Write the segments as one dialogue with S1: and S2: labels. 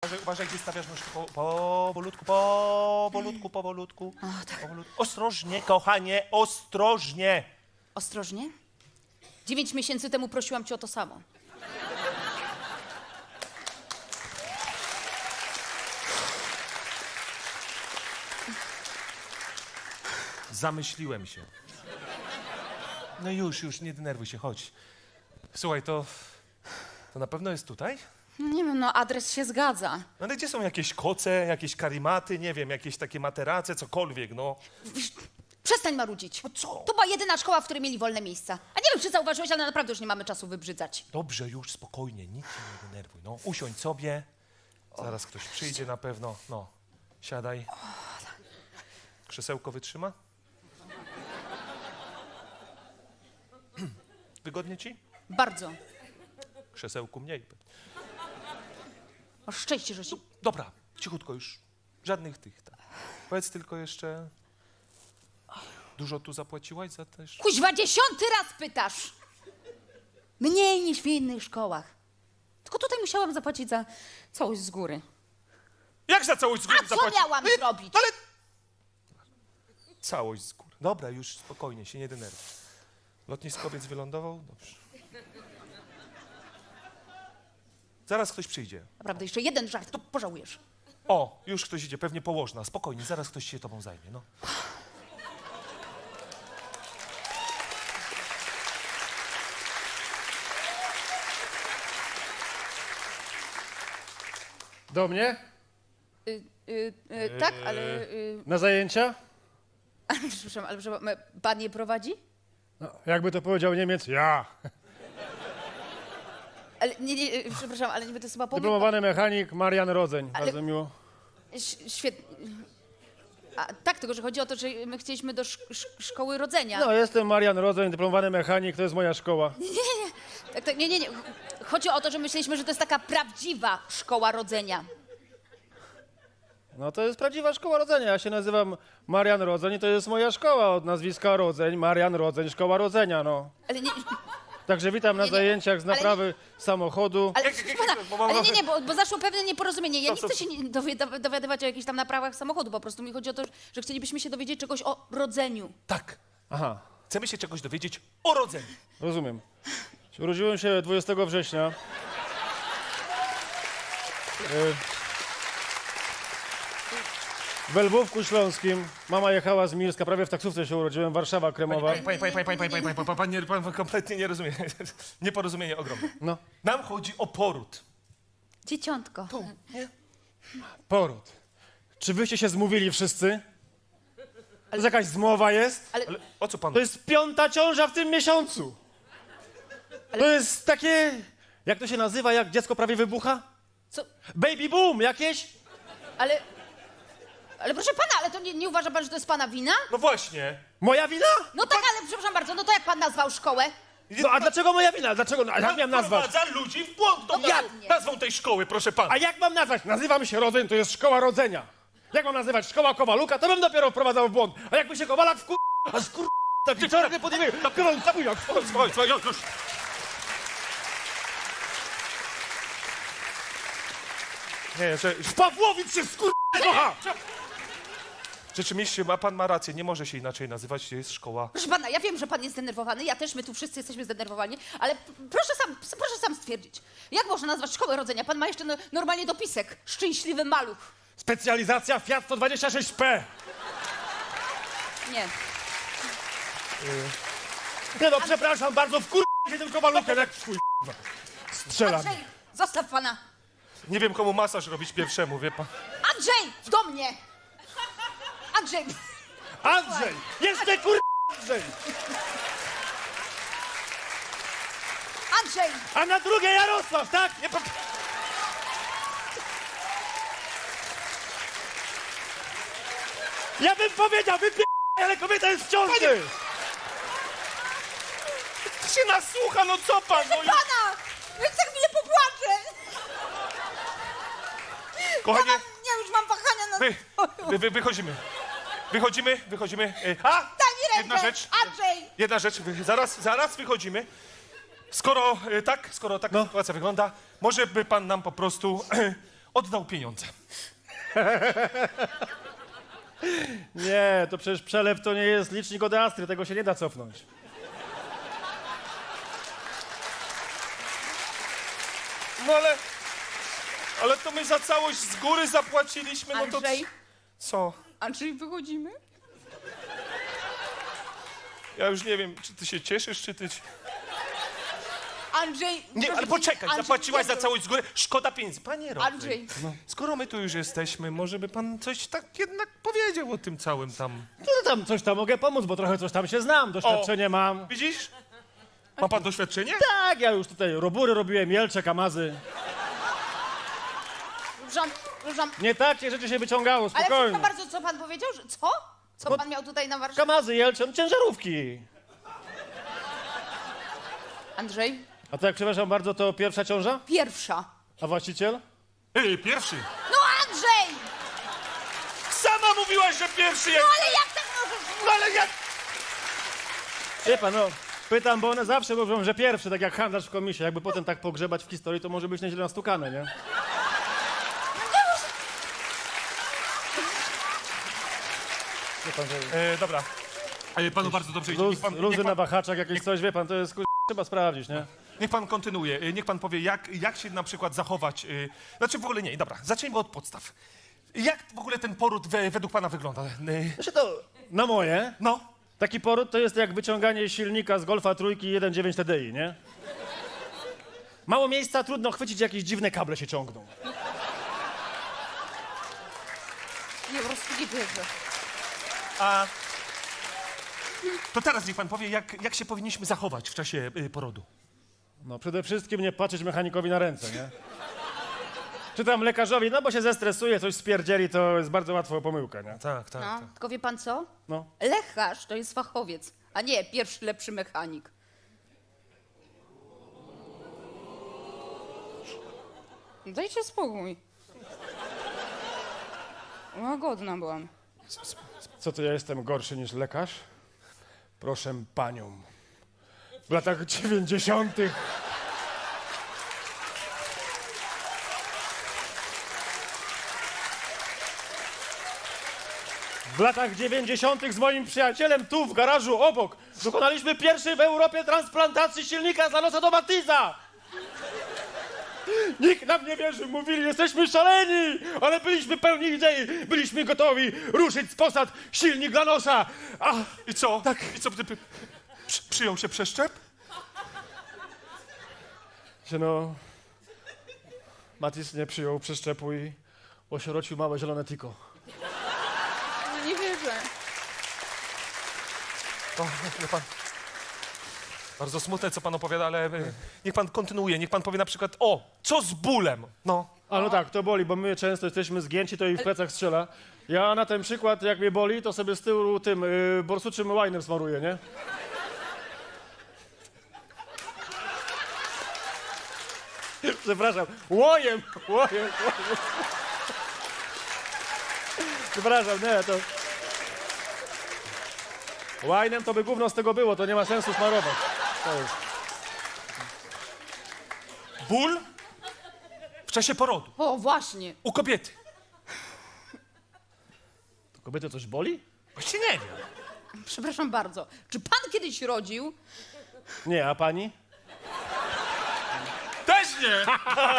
S1: Uważaj, gdzie stawiasz nóżki. Powolutku.
S2: O, tak.
S1: Ostrożnie, kochanie, ostrożnie.
S2: Ostrożnie? 9 miesięcy temu prosiłam cię o to samo.
S1: Zamyśliłem się. No już, nie denerwuj się, chodź. Słuchaj, to na pewno jest tutaj?
S2: Nie wiem, no adres się zgadza.
S1: No ale gdzie są jakieś koce, jakieś karimaty, nie wiem, jakieś takie materace, cokolwiek, no.
S2: Przestań marudzić.
S1: No co?
S2: To była jedyna szkoła, w której mieli wolne miejsca. A nie wiem, czy zauważyłeś, ale naprawdę już nie mamy czasu wybrzydzać.
S1: Dobrze, już spokojnie, nic się nie denerwuj, no. Usiądź sobie, zaraz ktoś przyjdzie na pewno, no. Siadaj. Krzesełko wytrzyma? Wygodnie ci?
S2: Bardzo.
S1: Krzesełku mniej.
S2: Masz szczęście, że się...
S1: Dobra, cichutko już. Żadnych tych. Tak. Powiedz tylko jeszcze... Dużo tu zapłaciłaś za też?
S2: Kuźwa, 10. raz pytasz! Mniej niż w innych szkołach. Tylko tutaj musiałam zapłacić za całość z góry.
S1: Jak za całość z góry
S2: A co miałam zrobić?
S1: Ale... Całość z góry. Dobra, już spokojnie, się nie denerwuj. Lotniskowiec wylądował? Dobrze. Zaraz ktoś przyjdzie.
S2: Naprawdę, jeszcze jeden żart, to pożałujesz.
S1: O, już ktoś idzie, pewnie położna. Spokojnie, zaraz ktoś się tobą zajmie, no.
S3: Do mnie?
S2: Tak, ale...
S3: Na zajęcia?
S2: przepraszam, pan je prowadzi?
S3: No, jakby to powiedział Niemiec, ja.
S2: Ale nie, przepraszam, ale niby to jest chyba pomysł...
S3: Dyplomowany mechanik Marian Rodzeń.
S2: Ale-
S3: Bardzo miło.
S2: Świetnie. A tak, tylko że chodzi o to, że my chcieliśmy do szkoły rodzenia.
S3: No, jestem Marian Rodzeń, dyplomowany mechanik, to jest moja szkoła.
S2: Tak, nie. Chodzi o to, że myśleliśmy, że to jest taka prawdziwa szkoła rodzenia.
S3: No to jest prawdziwa szkoła rodzenia. Ja się nazywam Marian Rodzeń i to jest moja szkoła od nazwiska Rodzeń. Marian Rodzeń, szkoła rodzenia, no.
S2: Ale nie...
S3: Także witam na
S2: Nie,
S3: zajęciach z
S2: ale
S3: naprawy samochodu.
S2: Ale, proszę pana, ale nie, bo zaszło pewne nieporozumienie. Ja nie chcę się dowiadywać o jakichś tam naprawach samochodu. Po prostu mi chodzi o to, że chcielibyśmy się dowiedzieć czegoś o rodzeniu.
S1: Tak,
S3: Aha,
S1: chcemy się czegoś dowiedzieć o rodzeniu.
S3: rozumiem. Urodziłem się 20 września. W Lwówku Śląskim. Mama jechała z Milska, prawie w taksówce się urodziłem, Warszawa Kremowa.
S1: Pan kompletnie nie rozumie. Nieporozumienie ogromne.
S3: No,
S1: Nam chodzi o poród.
S2: Dzieciątko.
S1: Nie?
S3: poród. Czy wyście się zmówili wszyscy? To jakaś zmowa jest?
S1: Ale o co pan?
S3: To jest 5. ciąża w tym miesiącu. To jest takie... Jak to się nazywa, jak dziecko prawie wybucha?
S2: Co?
S3: Baby boom jakieś?
S2: Ale proszę pana, ale to nie uważa pan, że to jest pana wina?
S1: No właśnie.
S3: Moja wina?
S2: No tak, ale przepraszam bardzo, no to jak pan nazwał szkołę?
S3: No a dlaczego moja wina? Dlaczego? No, a jak miałem nazwać?
S1: Wprowadza ludzi w błąd. To
S2: Dokładnie.
S1: nazwą tej szkoły, proszę pana.
S3: A jak mam nazwać? Nazywam się Rodzeń, to jest szkoła rodzenia. Jak mam nazywać szkoła Kowaluka, to bym dopiero wprowadzał w błąd. A jakby się Kowalak a skur... tak wieczorem nie podjęły, to kowal zabujał.
S1: Słuchaj, już. Nie, że
S3: W Pawłowic się skur... kocha!
S1: rzeczywiście pan ma rację, nie może się inaczej nazywać, to jest szkoła.
S2: Proszę pana, ja wiem, że pan jest zdenerwowany, ja też, my tu wszyscy jesteśmy zdenerwowani, ale proszę sam stwierdzić, jak można nazwać szkołę rodzenia? Pan ma jeszcze normalnie dopisek, szczęśliwy maluch.
S3: Specjalizacja Fiat 126P.
S2: Nie.
S3: Nie no, przepraszam bardzo, wkur... się tym Kowalukiem, jak chuj. Strzelam.
S2: Andrzej, zostaw pana.
S1: Nie wiem, komu masaż robić pierwszemu, wie pan.
S2: Andrzej, do mnie. Andrzej.
S3: Andrzej! Jeszcze kur... Andrzej!
S2: Andrzej.
S3: A na drugie Jarosław, tak? Nie, Ja bym powiedział, ale kobieta jest w ciąży!
S1: Się nasłucha, no co pan? No,
S2: Pana! Ja za chwilę popłaczę.
S1: kochanie,
S2: Ja już mam wahania na...
S1: wychodzimy. Wychodzimy.
S2: Daj mi
S1: jedna
S2: rękę.
S1: rzecz.
S2: Andrzej.
S1: Jedna rzecz, zaraz wychodzimy. Skoro tak
S3: No.
S1: sytuacja wygląda, może by pan nam po prostu oddał pieniądze.
S3: Nie, to przecież przelew to nie jest licznik od Astry, tego się nie da cofnąć.
S1: No ale to my za całość z góry zapłaciliśmy, no to...
S2: Andrzej,
S1: Co?
S2: Andrzej, wychodzimy?
S1: Ja już nie wiem, czy ty się cieszysz, czy ty...
S2: Andrzej...
S1: Nie,
S2: proszę
S1: ale
S2: cię,
S1: poczekaj,
S2: Andrzej,
S1: zapłaciłaś za
S2: nie,
S1: całość z góry, szkoda pieniędzy. Panie Rodzy,
S2: Andrzej,
S1: skoro my tu już jesteśmy, może by pan coś tak jednak powiedział o tym całym tam...
S3: No tam coś tam mogę pomóc, bo trochę coś tam się znam, doświadczenie mam.
S1: Widzisz? Ma pan doświadczenie?
S3: Tak, ja już tutaj robury robiłem, Jelcze, Kamazy.
S2: przepraszam,
S3: Nie takie rzeczy się wyciągało,
S2: ale
S3: spokojnie.
S2: przepraszam bardzo, co pan powiedział? Że, co? Co pan miał tutaj na warsztacie?
S3: Kamazy, Jelcze, no ciężarówki.
S2: Andrzej,
S3: A to jak przepraszam bardzo, to pierwsza ciąża?
S2: pierwsza.
S3: A właściciel?
S1: Pierwszy.
S2: No Andrzej!
S1: Sama mówiłaś, że pierwszy
S2: No
S1: jest...
S2: ale jak tak możesz...
S1: No ale jak...
S3: Wie pan, no, pytam, bo one zawsze mówią, że pierwszy, tak jak handlarz w komisie. Jakby potem tak pogrzebać w historii, to może być nieźle nastukane, nie? Wie pan, że
S1: Dobra. Panu bardzo dobrze idzie.
S3: luzy na wahaczach, jakieś coś, wie pan, to jest trzeba sprawdzić, nie?
S1: Niech pan kontynuuje. Niech pan powie, jak się na przykład zachować... Znaczy w ogóle nie, dobra, zacznijmy od podstaw. Jak w ogóle ten poród według pana wygląda?
S3: Znaczy to, na moje,
S1: No,
S3: taki poród to jest jak wyciąganie silnika z Golfa trójki 1.9 TDI, nie? Mało miejsca, trudno chwycić, jakieś dziwne kable się ciągną.
S2: Nie, po prostu nie wierzę.
S1: a... To teraz niech pan powie, jak się powinniśmy zachować w czasie porodu.
S3: No przede wszystkim nie patrzeć mechanikowi na ręce, nie? Czy tam lekarzowi, no bo się zestresuje, coś spierdzieli, to jest bardzo łatwo pomyłka, nie?
S1: Tak, tak,
S2: No, tylko wie pan co?
S3: No.
S2: Lekarz to jest fachowiec, a nie pierwszy lepszy mechanik. Dajcie spokój. Łagodna byłam.
S3: Co to ja jestem gorszy niż lekarz? Proszę panią. W latach 90. W latach 90. z moim przyjacielem tu w garażu obok dokonaliśmy pierwszej w Europie transplantacji silnika z Lanosa do Matiza. Nikt nam nie wierzył, mówili, jesteśmy szaleni, ale byliśmy pełni idei, byliśmy gotowi ruszyć z posad silnik Lanosa. A
S1: I co? Tak. I co, przyjął się przeszczep?
S3: się no, Matis nie przyjął przeszczepu i osierocił małe zielone tiko.
S2: No nie wierzę.
S1: O, wie pan. Bardzo smutne, co pan opowiada, ale niech pan kontynuuje. Niech pan powie na przykład, co z bólem? No.
S3: A no tak, to boli, bo my często jesteśmy zgięci, to i w plecach strzela. Ja na ten przykład, jak mnie boli, to sobie z tyłu tym borsuczym łajnem smaruję, nie? Przepraszam, łojem. Przepraszam, nie, to... Łajnem to by gówno z tego było, to nie ma sensu smarować. To jest.
S1: Ból w czasie porodu.
S2: O, właśnie.
S1: U kobiety.
S3: To kobiety coś boli?
S1: Właśnie nie wiem.
S2: Przepraszam bardzo. Czy pan kiedyś rodził?
S3: Nie, a pani?
S1: Też nie!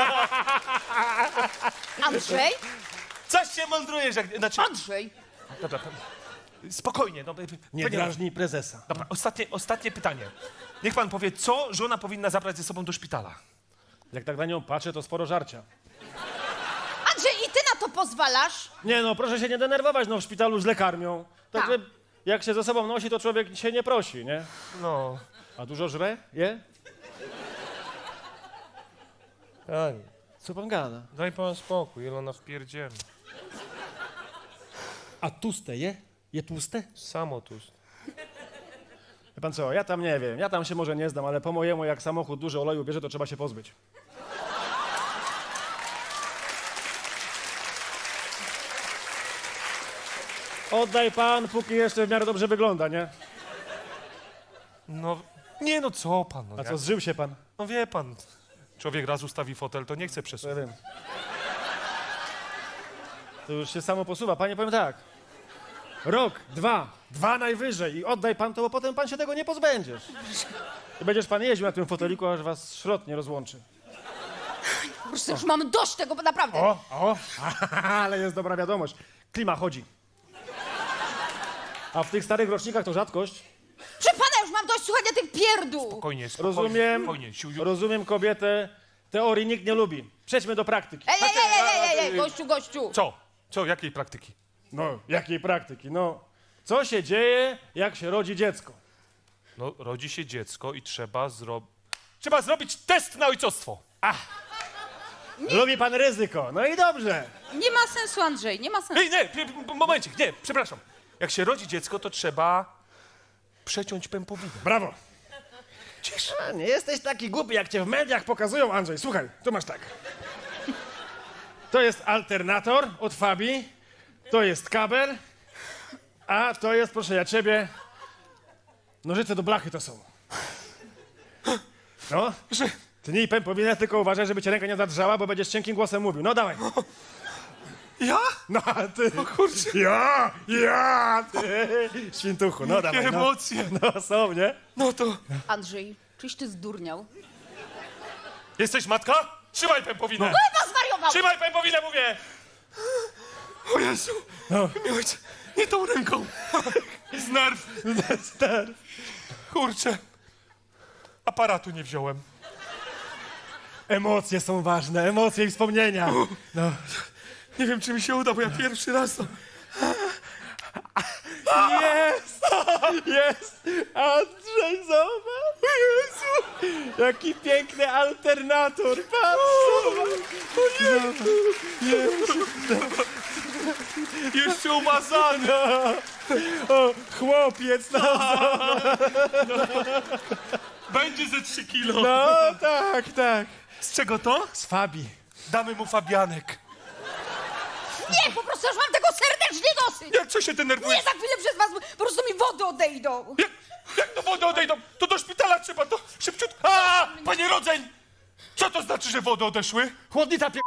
S2: Andrzej?
S1: Coś się mądrujesz, jak... Znaczy...
S2: Andrzej?
S1: Dobra, spokojnie. No,
S3: Nie
S1: panie-
S3: drażnij prezesa.
S1: Dobra, ostatnie pytanie. Niech pan powie, co żona powinna zabrać ze sobą do szpitala?
S3: Jak tak na nią patrzę, to sporo żarcia.
S2: Andrzej, i ty na to pozwalasz?
S3: Nie no, proszę się nie denerwować, no w szpitalu źle karmią. Także
S2: Tak.
S3: jak się ze sobą nosi, to człowiek się nie prosi, nie?
S1: No.
S3: A dużo żre? Je?
S1: Ani,
S3: Co pan gada?
S1: daj pan spokój, ile ona wpierdziela.
S3: A tłuste je? Je tłuste?
S1: Samo tu.
S3: Wie pan co, ja tam nie wiem, ja tam się może nie znam, ale po mojemu jak samochód dużo oleju bierze, to trzeba się pozbyć. Oddaj pan, póki jeszcze w miarę dobrze wygląda, nie?
S1: No, nie no, co pan? No,
S3: A co, zżył się pan?
S1: no wie pan, człowiek raz ustawi fotel, to nie chce
S3: To ja
S1: przesunąć.
S3: wiem. To już się samo posuwa. Panie, powiem tak. Rok, dwa najwyżej i oddaj pan to, bo potem pan się tego nie pozbędziesz. I będziesz pan jeździł na tym foteliku, aż was szrot nie rozłączy.
S2: Po prostu już mam dość tego, bo naprawdę.
S3: Ale jest dobra wiadomość. Klima chodzi. A w tych starych rocznikach to rzadkość.
S2: Proszę pana, już mam dość słuchania tych pierdół.
S1: Spokojnie,
S3: Rozumiem,
S1: spokojnie, siusiu.
S3: rozumiem kobietę. Teorii nikt nie lubi. Przejdźmy do praktyki.
S2: Ej, gościu.
S1: Co? Jakiej praktyki?
S3: No, jakiej praktyki? No, co się dzieje, jak się rodzi dziecko?
S1: No, rodzi się dziecko i trzeba zrobić test na ojcostwo.
S3: Lubi pan ryzyko. No i dobrze.
S2: Nie ma sensu, Andrzej, nie ma sensu.
S1: Ej, momencik, nie, przepraszam. Jak się rodzi dziecko, to trzeba przeciąć pępowinę.
S3: Brawo.
S1: Cisz.
S3: A, nie jesteś taki głupi, jak cię w mediach pokazują, Andrzej. Słuchaj, tu masz tak. To jest alternator od Fabii, to jest kabel, a to jest, proszę ja ciebie, nożyce do blachy to są. No, tnij pępowinę, tylko uważaj, żeby cię ręka nie zadrżała, bo będziesz cienkim głosem mówił. No dawaj.
S1: Ja?
S3: No, a ty.
S1: O kurczę.
S3: Ja, ty. Świntuchu, no dawaj.
S1: Jakie
S3: No.
S1: emocje.
S3: No są, nie?
S1: No to...
S2: Andrzej, czyś ty zdurniał?
S1: Jesteś matka? Trzymaj pępowinę.
S2: Chyba zwariował!
S1: Trzymaj pępowinę, mówię. O Jezu.
S3: No.
S1: Nie tą ręką. Z nerw. Kurczę. Aparatu nie wziąłem.
S3: Emocje są ważne, emocje i wspomnienia. No.
S1: Nie wiem, czy mi się uda, bo ja pierwszy raz to...
S3: Jest! Jest! Andrzej, zobacz! Jezu! Jaki piękny alternator! Patrz!
S1: Jeszcze umazany.
S3: O, chłopiec! No,
S1: Będzie ze 3 kilo.
S3: no tak, tak.
S1: Z czego to?
S3: Z Fabii.
S1: Damy mu fabianek.
S2: Nie, po prostu już mam tego serdecznie dosyć!
S1: Jak co się denerwujesz?
S2: Nie, za chwilę przez was po prostu mi wody odejdą!
S1: Jak do wody odejdą? To do szpitala trzeba, to szybciutko. A, panie rodzeń! Co to znaczy, że wody odeszły?
S3: Chłodnica